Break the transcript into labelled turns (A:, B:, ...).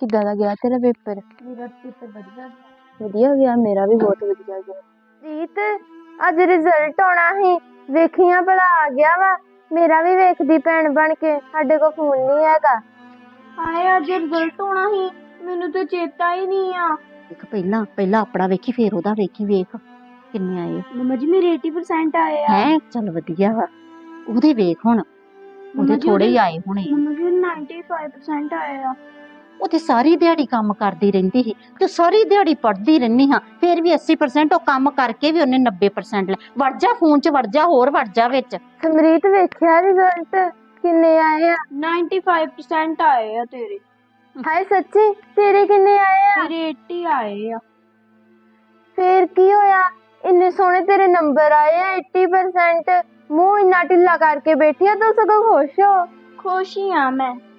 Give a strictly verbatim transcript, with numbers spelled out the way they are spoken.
A: ਕਿੱਦਾਂ ਦਾ ਗਿਆ ਤੇਰਾ ਪੇਪਰ?
B: ਮੇਰਾ ਪੇਪਰ ਵਧੀਆ
A: ਵਧੀਆ ਗਿਆ, ਮੇਰਾ ਵੀ ਬਹੁਤ ਵਧੀਆ ਗਿਆ।
B: ਰੀਤ ਅੱਜ ਰਿਜ਼ਲਟ ਆਉਣਾ ਸੀ, ਵੇਖੀਆਂ ਭਲਾ ਆ ਗਿਆ ਵਾ? ਮੇਰਾ ਵੀ ਵੇਖਦੀ ਭੈਣ ਬਣ ਕੇ, ਸਾਡੇ ਕੋਲ ਫੋਨ ਨਹੀਂ ਹੈਗਾ। ਹਾਏ ਅੱਜ ਰਿਜ਼ਲਟ ਆਉਣਾ ਸੀ, ਮੈਨੂੰ ਤਾਂ ਚੇਤਾ ਹੀ ਨਹੀਂ ਆ।
C: ਦੇਖ ਪਹਿਲਾਂ ਪਹਿਲਾਂ ਆਪਣਾ ਵੇਖੀ ਫੇਰ ਉਹਦਾ ਵੇਖੀ, ਵੇਖ ਕਿੰਨੇ ਆਏ।
B: ਮੰਮਾ ਜੀ ਮੇਰੇ अस्सी परसेंट ਆਏ ਆ।
C: ਹੈ ਚੱਲ ਵਧੀਆ ਵਾ, ਉਹਦੇ ਵੇਖ ਹੁਣ ਉਹਦੇ ਥੋੜੇ ਹੀ ਆਏ ਹੋਣੇ।
B: ਮੰਮਾ ਜੀ पचानवे परसेंट ਆਏ ਆ।
C: ਉਹ ਤੇ ਸਾਰੀ ਦਿਹਾੜੀ ਕੰਮ ਕਰਦੀ ਰਹਿੰਦੀ ਸੀ ਤੇ ਸਾਰੀ ਦਿਹਾੜੀ ਪੜ੍ਹਦੀ ਰਹਿੰਦੀ ਹਾਂ, ਫੇਰ ਵੀ अस्सी परसेंट ਉਹ ਕੰਮ ਕਰਕੇ ਵੀ ਉਹਨੇ नब्बे परसेंट ਲੈ। ਵੜ ਜਾ ਫੋਨ 'ਚ ਵੜ ਜਾ, ਹੋਰ ਵੜ ਜਾ ਵਿੱਚ।
B: ਸਮਰੀਤ ਵੇਖਿਆ ਰਿਜ਼ਲਟ ਕਿੰਨੇ ਆਏ ਆ? पचानवे परसेंट ਆਏ ਆ ਤੇਰੇ। ਹਾਏ ਸੱਚੀ ਤੇਰੇ ਕਿੰਨੇ ਆਏ ਆ? ਮੇਰੇ अस्सी ਆਏ ਆ। ਫੇਰ ਕੀ ਹੋਇਆ, ਇੰਨੇ ਸੋਹਣੇ ਤੇਰੇ ਨੰਬਰ ਆਏ ਆ अस्सी परसेंट, ਮੂੰਹ ਇੰਨਾ ਢਿੱਲਾ ਕਰਕੇ ਬੈਠੀ ਆ ਤੂੰ, ਸਗੋਂ ਖੁਸ਼ ਹੋ। ਖੁਸ਼ ਹੀ ਆ ਮੈਂ।